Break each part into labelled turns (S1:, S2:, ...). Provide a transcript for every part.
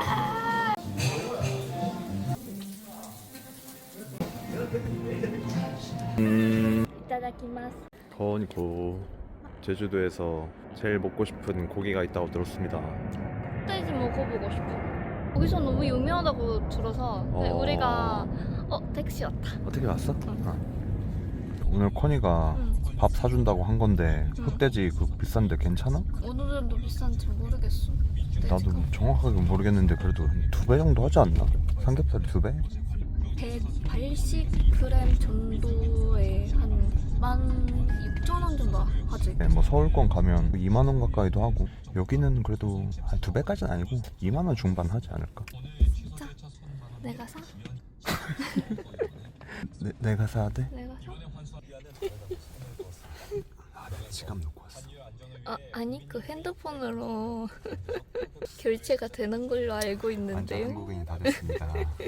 S1: 이따다키마스.
S2: 거니고 제주도에서 제일 먹고 싶은 고기가 있다고 들었습니다.
S1: 흑돼지 먹어보고 싶어. 거기서 너무 유명하다고 들어서 우리가 택시 왔다.
S2: 어떻게 왔어?
S1: 응.
S2: 오늘 코니가
S1: 응.
S2: 밥 사준다고 한 건데
S1: 응.
S2: 흑돼지 그 비싼데 괜찮아?
S1: 어느 정도 비싼지 모르겠어.
S2: 나도 정확하게 모르겠는데 그래도 한 2배 정도 하지 않나? 삼겹살이 2배?
S1: 180g 정도에 한 16,000원 정도 하지.
S2: 네, 뭐 서울권 가면 2만 원 가까이도 하고 여기는 그래도 한 2배까지는 아니고 2만 원 중반 하지 않을까?
S1: 자, 내가 사?
S2: 내가 사야 돼?
S1: 내가 사?
S2: 아, 내 지갑 놓고 왔어.
S1: 아니 그 핸드폰으로 결제가 되는 걸로 알고
S2: 완전
S1: 있는데요.
S2: 한국인이 다 됐습니다.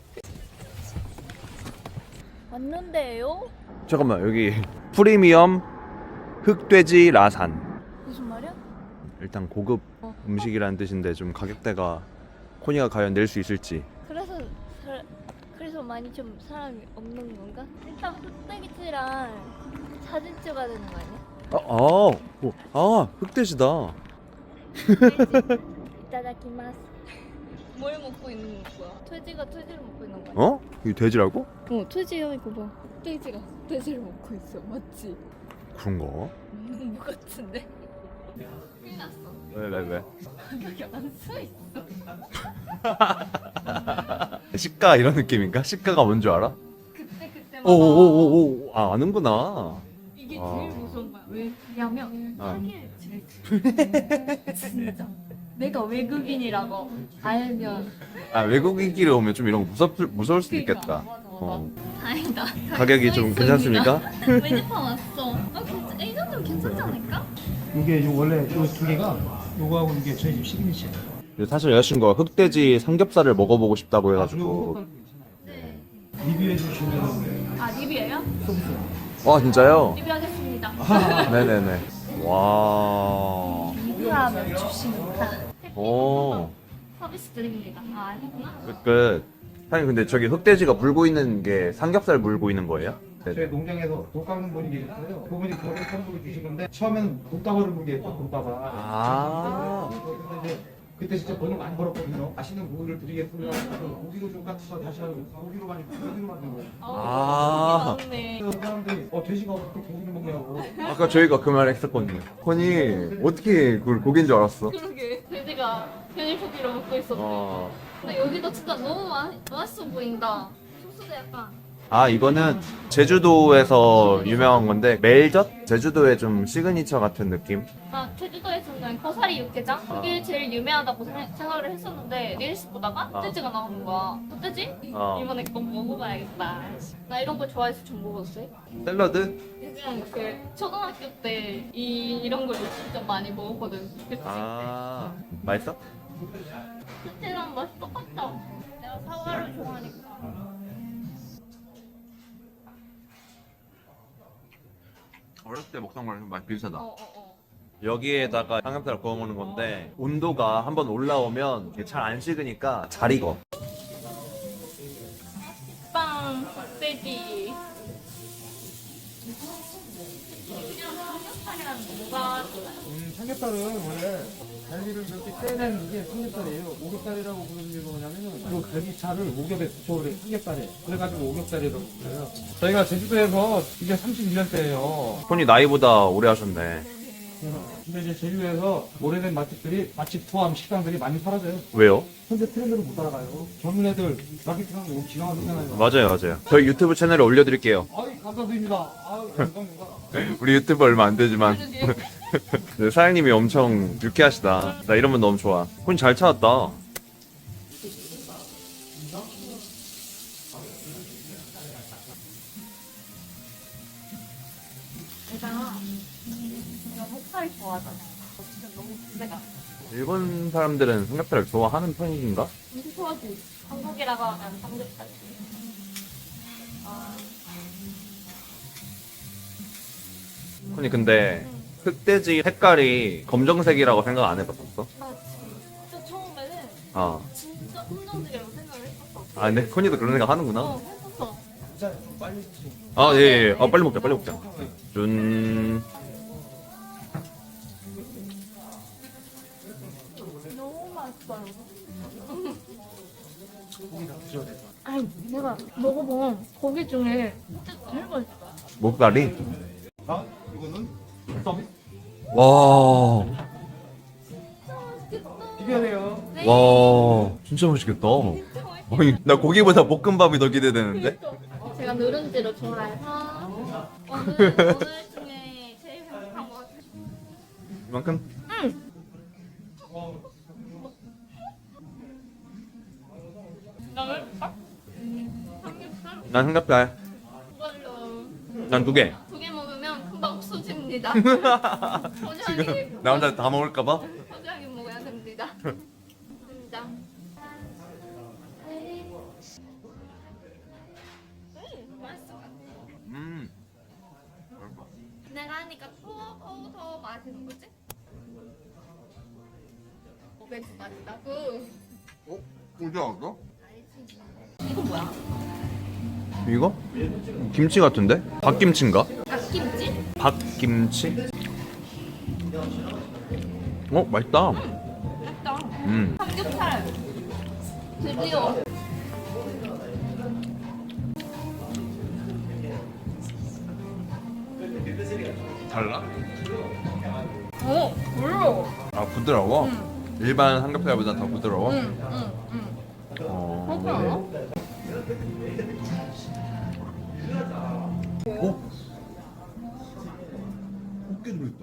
S1: 왔는데요?
S2: 잠깐만, 여기 프리미엄 흑돼지 라산.
S1: 무슨 말이야?
S2: 일단 고급 음식이라는 뜻인데 좀 가격대가 코니가 과연 낼 수 있을지.
S1: 그래서 많이 좀 사람이 없는 건가? 일단 흑돼지랑 사진 찍어야 되는 거 아니야?
S2: 흑돼지다.
S1: 이따다키마스. 뭘 먹고 있는 거야? 돼지가 돼지를 먹고 있는 거야?
S2: 어? 이게 돼지라고?
S1: 돼지야 이거 봐. 돼지가 돼지를 먹고 있어. 맞지?
S2: 그런가?
S1: 뭐 같은데? 큰일 났어.
S2: 왜?
S1: 여기 안 써있어.
S2: 시가 이런 느낌인가? 시가가 뭔 줄 알아?
S1: 그때마다
S2: 오오오오 아는구나.
S1: 이게 제일 무서운 거야. 왜냐면 사기를 진짜 내가 외국인이라고 알면
S2: 외국인끼리 오면 좀 이런 거 무서울 수도 있겠다.
S1: 맞아. 다행이다.
S2: 가격이 좀 괜찮습니까?
S1: 메뉴판 왔어. 이 정도면 괜찮지 않을까?
S3: 이게 원래 요 두 개가 요거하고 이게 저희 집 시그니처예요.
S2: 사실 여자친구가 흑돼지 삼겹살을 먹어보고 싶다고 해가지고.
S1: 네.
S3: 리뷰해 주시면
S1: 리뷰예요?
S3: 서비스.
S2: 와 진짜요?
S1: 리뷰하겠습니다.
S2: 네네네. 와.
S1: 리뷰하면 주십니다.
S2: 오.
S1: 서비스 드립니다. 아니구나.
S2: 끝. 사장님 근데 저기 흑돼지가 물고 있는 게 삼겹살 물고 있는 거예요?
S3: 저희 농장에서 독 깎는 분이 계셨어요. 그분이 그거를 선물을 주신 건데 처음에는 독다발을 물겠죠, 독다발. 근데 이제 그때 진짜 돈을 많이 벌었거든요. 맛있는 고기를 드리겠습니다. 그래서 고기로 좀 깎아서 다시 하고 고기로 많이 만든 거예요.
S1: 맞네.
S3: 그래서 사람들이 돼지가 어떻게 고기를 먹냐고.
S2: 아까 저희가 그 말 했었거든요. 코니 어떻게 그걸 고기인 줄 알았어?
S1: 그러게. 돼지가 편일포기로 먹고 있었네. 근데 여기도 진짜 너무 맛있어 보인다. 소스도 약간.
S2: 이거는 제주도에서 유명한 건데 멜젓? 제주도의 좀 시그니처 같은 느낌?
S1: 제주도에서는 거사리 육개장? 그게 제일 유명하다고 생각을 했었는데 릴스 보다가 흑돼지가 나오는 거야. 흑돼지? 이번에 꼭 먹어봐야겠다. 나 이런 거 좋아해서 좀 먹었어요.
S2: 샐러드?
S1: 그냥 그 초등학교 때 이런 걸 진짜 많이 먹었거든. 그치?
S2: 맛있어?
S1: 그때랑 맛이 똑같다. 내가 사과를 좋아하니까.
S2: 어렸을 때 먹던 거랑 맛 비슷하다. 여기에다가 삼겹살 구워 먹는 건데 온도가 한번 올라오면 잘 안 식으니까 잘 익어.
S1: 빵, 흑돼지. 삼겹살이랑 뭐가
S3: 삼겹살은 원래 갈비를 이렇게 떼낸 이게 삼겹살이에요. 오겹살이라고 부르는 이유가 뭐냐면은 이 갈비살을 오겹에 붙여버린 삼겹살이에요. 그래가지고 오겹살이라고 불러요. 저희가 제주도에서 이제 31년째예요.
S2: 손이 나이보다 오래 하셨네.
S3: 근데 이제 제주도에서 오래된 맛집들이 맛집 포함 식당들이 많이 사라져요.
S2: 왜요?
S3: 현재 트렌드를 못 따라가요. 젊은 애들 마케팅 하는 거 너무 기가 막히잖아요.
S2: 맞아요. 저희 유튜브 채널에 올려드릴게요.
S3: 아유 감사드립니다. 아유 감사합니다.
S2: 우리 유튜브 얼마 안 되지만 네, 사장님이 엄청 유쾌하시다. 나 이런 분 너무 좋아. 손이 잘 찾았다.
S1: 내가 흑살이 좋아하잖아. 진짜 너무 기대가.
S2: 일본 사람들은 삼겹살을 좋아하는 편인가?
S1: 엄청 좋아하지. 한국이라고 하면 삼겹살.
S2: 손이 근데 흑돼지 색깔이 검정색이라고 생각 안 해봤었어?
S1: 나 진짜 처음에는
S2: 아,
S1: 진짜 진짜 긍정적이라고 생각을 했었어.
S2: 아 근데 코니도 그런 생각 하는구나.
S1: 했었어.
S3: 자, 빨리 드시고.
S2: 아 예. 아 빨리 먹자 빨리 먹자. 준.
S1: 너무 맛있어요.
S3: 고기 다 드셔야 돼요.
S1: 아니 내가 먹어본 고기 중에 진짜 제일 맛있어.
S2: 목다리.
S3: 아, 이거는 서비스.
S2: 와.
S3: 비벼야 돼요.
S1: 네.
S2: 와. 진짜 맛있겠다. 아니 나 고기보다 볶음밥이 더 기대되는데.
S1: 제가 누룽지를 좋아해서 오늘 중에 제일 행복한 것 같아요.
S2: 이만큼?
S1: 나는
S2: 난 삼겹살.
S1: 이걸로
S2: 난 2개.
S1: 2개 먹으면 금방 없어집니다.
S2: 지금 나 혼자 다 먹을까봐?
S1: 소중하게 먹어야 됩니다. 진짜. 맛있어. 내가 하니까 더 맛있는 거지? 맥주 맛있다고?
S2: 꿀지 않았어?
S1: 알지. 이거 뭐야?
S2: 이거? 김치 같은데? 박김치인가?
S1: 닭김치?
S2: 박김치? 맛있다.
S1: 맛있다. 삼겹살. 드디어.
S2: 달라?
S1: 부러워.
S2: 아 부드러워? 일반 삼겹살보다 더 부드러워?
S1: 응.
S2: 어...
S1: 그렇지 않아?
S3: 꽃게 들어있다.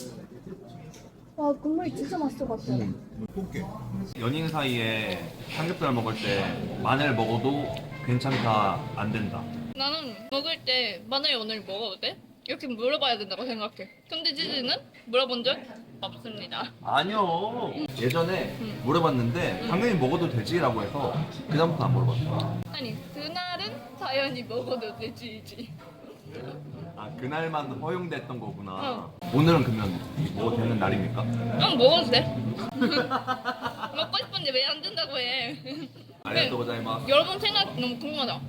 S1: 와 국물이 진짜 맛있을 것 같아.
S3: 꽃게.
S2: 연인 사이에 삼겹살 먹을 때 마늘 먹어도 괜찮다 안 된다.
S1: 나는 먹을 때 마늘 오늘 먹어도 돼? 이렇게 물어봐야 된다고 생각해. 근데 지지는 물어본 적 없습니다.
S2: 아니요. 예전에 물어봤는데 당연히 먹어도 되지라고 해서 그다음부터 안 물어봤어.
S1: 아니 그날은 자연히 먹어도 되지지.
S2: 아 그날만 허용됐던 거구나. 오늘은 그러면 먹어도 되는 날입니까?
S1: 응 먹어도 돼. 먹고 싶은데 왜 안 된다고 해.
S2: 알겠어 고자이마.
S1: 여러분 생각 너무 궁금하다.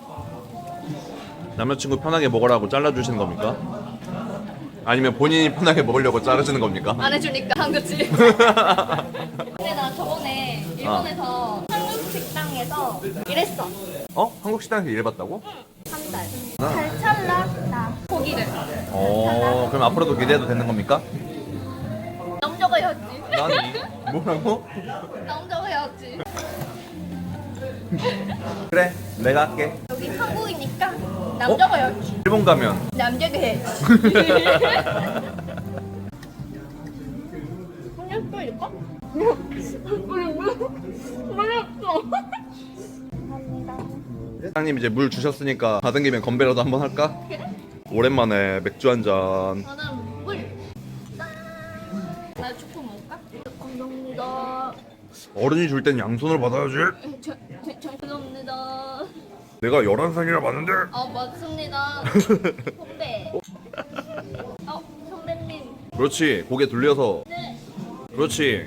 S2: 남자친구 편하게 먹으라고 잘라주시는 겁니까? 아니면 본인이 편하게 먹으려고 자르시는 겁니까?
S1: 안 해주니까 한 거지. 근데 나 저번에 일본에서 한국 식당에서 일했어.
S2: 한국 식당에서 일해봤다고?
S1: 한 달. 잘 잘랐다. 고기를.
S2: 그럼 앞으로도 기대해도 되는 겁니까?
S1: 남자가 해야지.
S2: 난 뭐라고?
S1: 남자가 해야지.
S2: 그래 내가 할게.
S1: 여기 한국이니까 남자가 해야지.
S2: 일본 가면
S1: 남자가 해야지. 그냥 또 이럴까? 몰랐어. 감사합니다.
S2: 사장님 이제 물 주셨으니까 받은 김에 건배라도 한번 할까?
S1: 그래?
S2: 오랜만에 맥주 한 잔.
S1: 나는 물. 짠. 나 초코 먹을까? 감사합니다.
S2: 어른이 줄 땐 양손으로 받아야지.
S1: 죄송합니다.
S2: 내가 11살이라 맞는데.
S1: 맞습니다. 선배. 선배님.
S2: 그렇지 고개 돌려서.
S1: 네.
S2: 그렇지.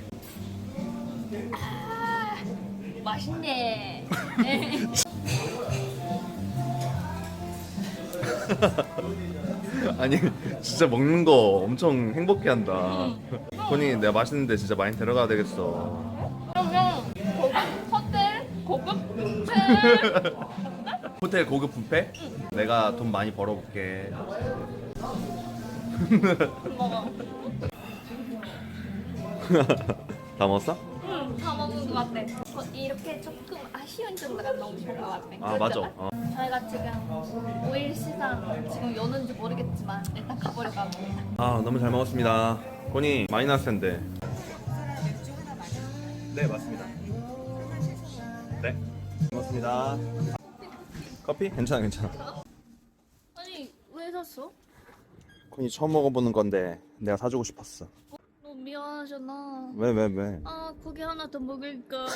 S1: 맛있네.
S2: 아니 진짜 먹는 거 엄청 행복해한다. 코니 내가 맛있는데 진짜 많이 데려가야 되겠어.
S1: 그러면 호텔 고급 호텔.
S2: 호텔 고급 뷔페? 내가 돈 많이 벌어볼게.
S1: 먹어.
S2: 다 먹었어?
S1: 응, 다 먹은 것 같아. 이렇게 조금 아쉬운 정도가 너무 좋은 것 같아.
S2: 아 맞아.
S1: 저희가 지금 5일 시상 지금 여는지 모르겠지만 일단 가보려고 합니다.
S2: 아 너무 잘 먹었습니다. 코니 많이 나왔을 텐데. 네 맞습니다. 네 고맙습니다. 커피? 괜찮아 괜찮아.
S1: 아니 왜 샀어?
S2: 코니 처음 먹어보는 건데 내가 사주고 싶었어.
S1: 너무 미안하잖아.
S2: 왜?
S1: 고기 하나 더 먹을까?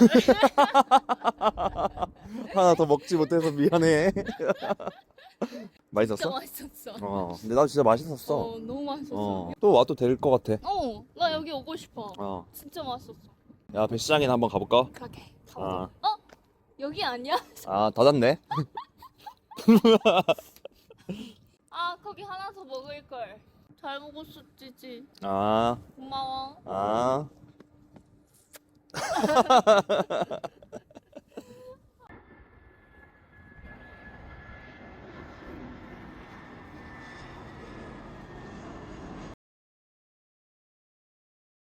S2: 하나 더 먹지 못해서 미안해.
S1: 진짜
S2: 맛있었어?
S1: 맛있었어.
S2: 근데 나 진짜 맛있었어.
S1: 너무 맛있었어.
S2: 또 와도 될 것 같아.
S1: 나 여기 오고 싶어.
S2: 어.
S1: 진짜 맛있었어.
S2: 야 배시장이나 한번 가볼까?
S1: 그렇게.
S2: 아,
S1: 여기 아니야?
S2: 아 닫았네.
S1: 아 거기 하나 더 먹을 걸. 잘 먹었었지.
S2: 아,
S1: 고마워.
S2: 아.